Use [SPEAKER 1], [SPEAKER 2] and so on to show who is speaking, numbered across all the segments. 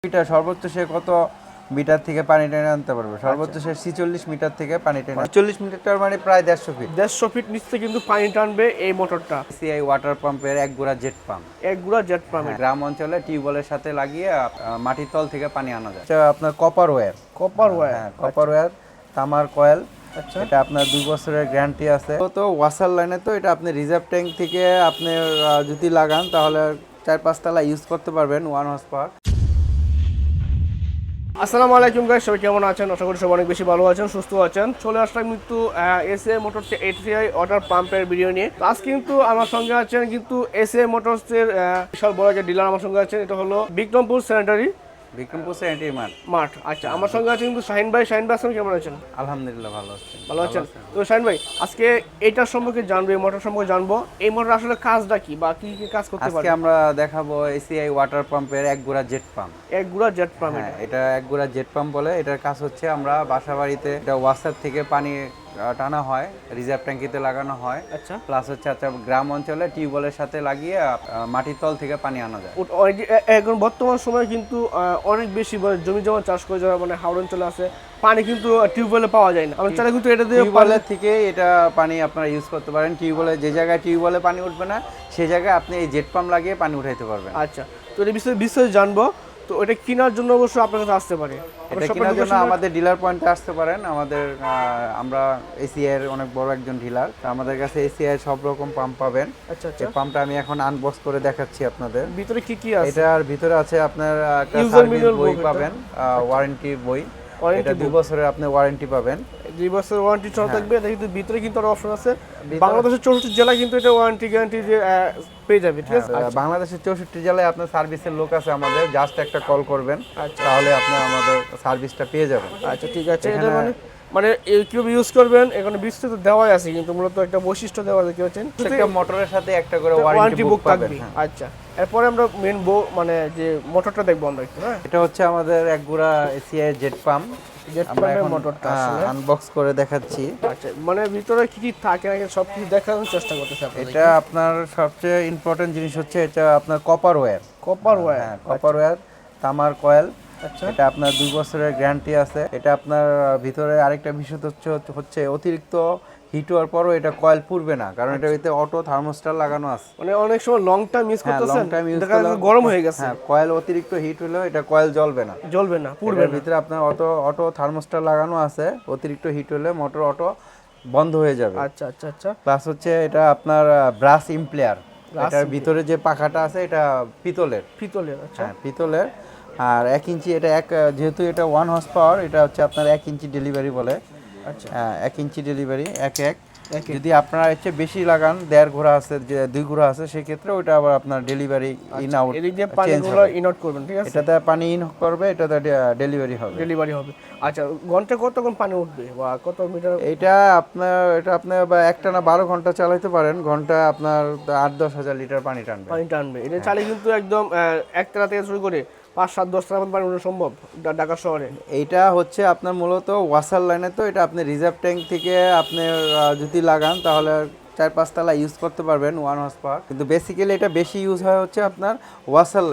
[SPEAKER 1] Metre সর্বোচ্চ সে কত মিটার থেকে পানি টেনে আনতে পারবে? সর্বোচ্চ সে 46 মিটার থেকে পানি টেনে 40 মিটার মানে প্রায় 150 ফিট।
[SPEAKER 2] 150 ফিট নিচে কিন্তু পানি টানবে এই মোটরটা।
[SPEAKER 1] সিআই ওয়াটার পাম্পের এক গুড়া জেট পাম্প।
[SPEAKER 2] এক গুড়া জেট পাম্প।
[SPEAKER 1] গ্রাম অঞ্চলে টিউবওয়েলের সাথে লাগিয়ে মাটির তল থেকে পানি আনা যায়। এটা আপনার কপার ওয়্যার।
[SPEAKER 2] Copper wire.
[SPEAKER 1] হ্যাঁ, কপার ওয়্যার, তামার কয়েল।
[SPEAKER 2] আচ্ছা,
[SPEAKER 1] এটা আপনার 2 বছরের গ্যারান্টি আছে। তো ওয়াসার লাইনে তো এটা আপনি রিজার্ভ ট্যাঙ্ক থেকে আপনি যদি লাগান তাহলে 4-5 তলা ইউজ করতে পারবেন 1 হর্স পাওয়ার।
[SPEAKER 2] আসসালামু আলাইকুম গাইস, সবাই কেমন আছেন? আশা করি সবাই অনেক বেশি ভালো আছেন, সুস্থ আছেন। চলে আসলাম কিন্তু এসএ মোটরস এটিআই ওয়াটার পাম্পের ভিডিও নিয়ে। তো আজকে কিন্তু আমার সঙ্গে আছেন কিন্তু এসএ মোটরসের বিশাল বড় একটা ডিলার আমার সঙ্গে আছেন। এটা হলো বিক্রমপুর স্যানিটারি মাঠ। আচ্ছা, আমার সঙ্গে আছেন কিন্তু শাহিন ভাই। শাহিন ভাই, আপনি কেমন আছেন?
[SPEAKER 1] আলহামদুলিল্লাহ ভালো আছি।
[SPEAKER 2] ভালো আছেন? তো শাহিন ভাই, আজকে এইটার সম্পর্কে জানবো, এই মোটর সম্পর্কে জানবো। এই মোটর আসলে কাজটা কি বা কি কি কাজ করতে পারে?
[SPEAKER 1] আজকে আমরা দেখাবো এসিআই ওয়াটার পাম্পের এক গুড়া জেট পাম্প।
[SPEAKER 2] এক গুড়া জেট পাম্প।
[SPEAKER 1] হ্যাঁ, এটা এক গুড়া জেট পাম্প বলে। এটার কাজ হচ্ছে আমরা বাসাবাড়িতে এটা ওয়াসার থেকে পানি টানা হয়, রিজার্ভ ট্যাঙ্কিতে লাগানো হয়।
[SPEAKER 2] আচ্ছা,
[SPEAKER 1] প্লাস হচ্ছে গ্রাম অঞ্চলে টিউবওয়েলের সাথে লাগিয়ে মাটির তল থেকে পানি আনা যায়।
[SPEAKER 2] এখন বর্তমান সময়ে কিন্তু অনেক বেশি জমি জমা চাষ করে যারা মানে হাওড় অঞ্চলে আছে, পানি কিন্তু টিউবওয়েলে পাওয়া যায় না। আমরা চাইলে কিন্তু এটা দিয়ে
[SPEAKER 1] টিউবওয়েলের থেকে এটা পানি আপনারা ইউজ করতে পারেন। টিউবওয়েলে যে জায়গায় টিউবওয়েলে পানি উঠবে না সেই জায়গায় আপনি এই জেট পাম্প লাগিয়ে পানি উঠাইতে পারবেন।
[SPEAKER 2] আচ্ছা, তো এটা বিষয়ে জানবো। তো এটা কেনার জন্য অবশ্যই আপনার কাছে আসতে পারে।
[SPEAKER 1] এটা কেনার জন্য আমাদের ডিলার পয়েন্টে আসতে পারেন। আমরা এসিআই এর অনেক বড় একজন ডিলার। আমাদের কাছে এসিআই এর সব রকম পাম্প পাবেন।
[SPEAKER 2] আচ্ছা আচ্ছা,
[SPEAKER 1] এই পাম্পটা আমি এখন আনবক্স করে দেখাচ্ছি আপনাদের।
[SPEAKER 2] ভিতরে কি কি আছে?
[SPEAKER 1] এটার ভিতরে আছে আপনার একটা
[SPEAKER 2] User
[SPEAKER 1] সার্ভিস
[SPEAKER 2] manual
[SPEAKER 1] বই
[SPEAKER 2] book
[SPEAKER 1] পাবেন, ওয়ারেন্টি বই। এটা 2 বছরের আপনি ওয়ারেন্টি পাবেন।
[SPEAKER 2] 2 বছর ওয়ারেন্টি চল থাকবে। এটা কিন্তু ভিতরে কিন্তু আরো অপশন আছে। বাংলাদেশের 64 জেলায় কিন্তু এটা ওয়ারেন্টি গ্যারান্টি যে পেয়ে যাবে, ঠিক আছে?
[SPEAKER 1] বাংলাদেশের 64 জেলায় আপনার সার্ভিসের লোক আছে আমাদের। জাস্ট একটা কল করবেন, তাহলে আপনি আমাদের সার্ভিসটা পেয়ে যাবেন।
[SPEAKER 2] আচ্ছা, ঠিক আছে। এটা মানে কিভাবে ইউজ করবেন এখানে বিস্তারিত দেওয়াই আছে, কিন্তু মূলত একটা বৈশিষ্ট্য দেওয়া আছে কি হচ্ছেন
[SPEAKER 1] একটা মোটরের সাথে একটা করে ওয়ারেন্টি বুক থাকবে।
[SPEAKER 2] আচ্ছা, এরপরে আমরা মেন মানে যে মোটরটা দেখবো আমরা একটু। হ্যাঁ,
[SPEAKER 1] এটা হচ্ছে আমাদের এক গুড়া এসিআই জেট পাম্প। আমরা এখন
[SPEAKER 2] মোটরটা আসলে
[SPEAKER 1] আনবক্স করে দেখাচ্ছি।
[SPEAKER 2] আচ্ছা, মানে ভিতরে কি কি থাকে নাকি সব কিছু দেখানোর চেষ্টা করতেছি আপনাদের।
[SPEAKER 1] এটা আপনার সবচেয়ে ইম্পর্টেন্ট জিনিস হচ্ছে এটা আপনার কপার ওয়্যার।
[SPEAKER 2] Copper wire.
[SPEAKER 1] হ্যাঁ, কপার ওয়্যার, তামার কয়েল।
[SPEAKER 2] আচ্ছা,
[SPEAKER 1] এটা আপনার 2 বছরের গ্যারান্টি আছে। এটা আপনার ভিতরে আরেকটা বিষয় হচ্ছে অতিরিক্ত হিট হওয়ার পরও এটা কয়েল পুড়বে না, কারণ এটা ভিতরে অটো থার্মোস্টার লাগানো আছে।
[SPEAKER 2] মানে অনেক সময় লং টাইম ইউজ করতেছেন,
[SPEAKER 1] লং টাইম ইউজ
[SPEAKER 2] দেখা যাচ্ছে গরম হয়ে গেছে।
[SPEAKER 1] হ্যাঁ, কয়েল অতিরিক্ত হিট হলেও এটা কয়েল জ্বলবে না,
[SPEAKER 2] পুড়বে না।
[SPEAKER 1] ভিতরে আপনার অটো থার্মোস্টার লাগানো আছে। অতিরিক্ত হিট হলে মোটর অটো বন্ধ হয়ে যাবে।
[SPEAKER 2] আচ্ছা আচ্ছা আচ্ছা,
[SPEAKER 1] প্লাস হচ্ছে এটা আপনার ব্রাশ ইমপ্লেয়ার। এটার ভিতরে যে পাখাটা আছে এটা পিতলের।
[SPEAKER 2] আচ্ছা,
[SPEAKER 1] হ্যাঁ, পিতলের। আর 1 ইঞ্চি, এটা যেহেতু এটা 1 হর্স পাওয়ার, এটা হচ্ছে আপনার 1 ইঞ্চি ডেলিভারি বলে।
[SPEAKER 2] আচ্ছা,
[SPEAKER 1] হ্যাঁ, 1 ইঞ্চি ডেলিভারি। যদি আপনারা হচ্ছে বেশি লাগান, 1.5 ঘোড়া আছে, 2 ঘোড়া আছে, সেক্ষেত্রে ওটা আবার আপনার ডেলিভারি ইন আউট
[SPEAKER 2] এদিক দিয়ে পানিগুলো ইন আউট করবেন, ঠিক আছে?
[SPEAKER 1] এটাতে পানি ইন করবে, এটাতে ডেলিভারি হবে।
[SPEAKER 2] আচ্ছা, ঘন্টা কতক্ষণ পানি উঠবে বা কত মিটার?
[SPEAKER 1] এটা আপনার বা একটানা 12 ঘন্টা চালাতে পারেন। ঘন্টা আপনার 8-10 হাজার লিটার পানি টানবে।
[SPEAKER 2] এটা চালিয়ে কিন্তু একদম একতলা থেকে শুরু করে 5-7-10 তলা পর্যন্ত পানি উঠানো সম্ভব ঢাকা শহরে।
[SPEAKER 1] এইটা হচ্ছে আপনার মূলত ওয়াসার লাইনে, তো এটা আপনি রিজার্ভ ট্যাঙ্ক থেকে আপনি যদি লাগান তাহলে 4-5 তলা ইউজ করতে পারবেন 1 হর্স পাওয়ার। কিন্তু বেসিক্যালি এটা বেশি ইউজ হয় হচ্ছে আপনার ওয়াসার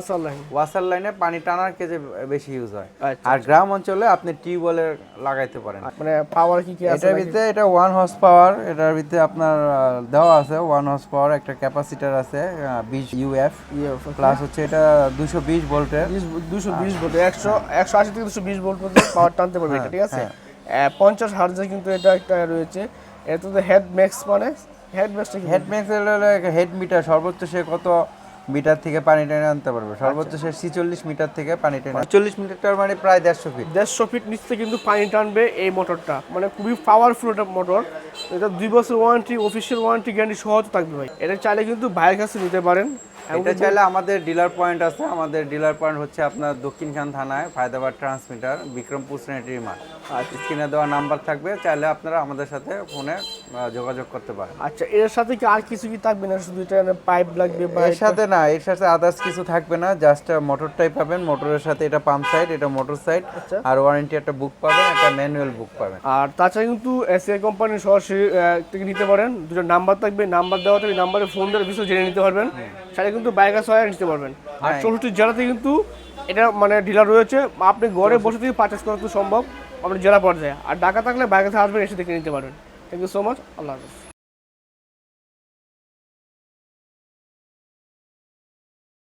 [SPEAKER 1] লাইনে পানি টানার কেজে বেশি ইউজ হয়। আর গ্রাম অঞ্চলে আপনি টিউবওয়েলে লাগাইতে পারেন।
[SPEAKER 2] মানে পাওয়ার কি কি আছে
[SPEAKER 1] এটার ভিতরে? এটা 1 হর্স পাওয়ার। এটার ভিতরে আপনার দেওয়া আছে 1 হর্স পাওয়ার, একটা ক্যাপাসিটার আছে 20 ইউএফ। প্লাস হচ্ছে এটা 220 ভোল্টের।
[SPEAKER 2] 220 ভোল্ট, 180 থেকে 220 ভোল্ট পর্যন্ত পাওয়ার টানতে পারবে এটা, ঠিক আছে? 50 হার্টজে কিন্তু এটা একটা রয়েছে। এটা তো হেড ম্যাক্স, মানে হেড
[SPEAKER 1] হলো হেড মিটার। সর্বোচ্চ সে কত মিটার থেকে পানি টেনে আনতে পারবে? সর্বোচ্চ সে 46 মিটার থেকে পানি টেনে 40 মিটার মানে প্রায় 150 ফিট।
[SPEAKER 2] 150 ফিট নিচে কিন্তু পানি টানবে এই মোটরটা। মানে খুবই পাওয়ারফুল একটা মোটর। এটা 2 বছর ওয়ারেন্টি, অফিসিয়াল ওয়ারেন্টি গ্যারান্টি সহ থাকবে ভাই। এটা চাইলে কিন্তু ভাইয়ের কাছে নিতে পারেন।
[SPEAKER 1] এটা চাইলে আমাদের ডিলার পয়েন্ট আছে। আমাদের ডিলার পয়েন্ট হচ্ছে আপনার দক্ষিণখান থানায়, ফায়দাবাদ ট্রান্সমিটার, বিক্রমপুর স্যানিটারি মাঠ। আর স্ক্রিনে দেওয়া নাম্বার থাকবে, চাইলে আপনারা আমাদের সাথে ফোনে যোগাযোগ করতে পারেন।
[SPEAKER 2] আচ্ছা, এর সাথে কি আর কিছু কি থাকবে না? শুধু এটা পাইপ লাগবে বা
[SPEAKER 1] এর সাথে না, এর সাথে আদার্স কিছু থাকবে না। জাস্ট মোটরটাই পাবেন। মোটরের সাথে এটা পাম্প সাইড, এটা মোটর সাইড। আর ওয়ারেন্টি একটা বুক পাবেন, একটা ম্যানুয়াল বুক পাবেন।
[SPEAKER 2] আর তাছাড়া কিন্তু এসএ কোম্পানির সরাসরি থেকে নিতে পারেন। দুটো নাম্বার থাকবে, নাম্বার দেওয়া থাকবে, নাম্বারে ফোন দিয়ে বিষয় জেনে নিতে পারবেন। সেটা কিন্তু বাইক আছে নিতে পারবেন। আর 64 জেলাতে কিন্তু এটা মানে ডিলার রয়েছে, আপনি ঘরে বসে থেকে পারচেস করা তো সম্ভব আমাদের জেলা পর্যায়ে। আর ঢাকা থাকলে বাইরে থেকে আসবেন, এসে দেখে নিতে পারবেন। থ্যাংক ইউ সো মাচ, আল্লাহ হাফেজ।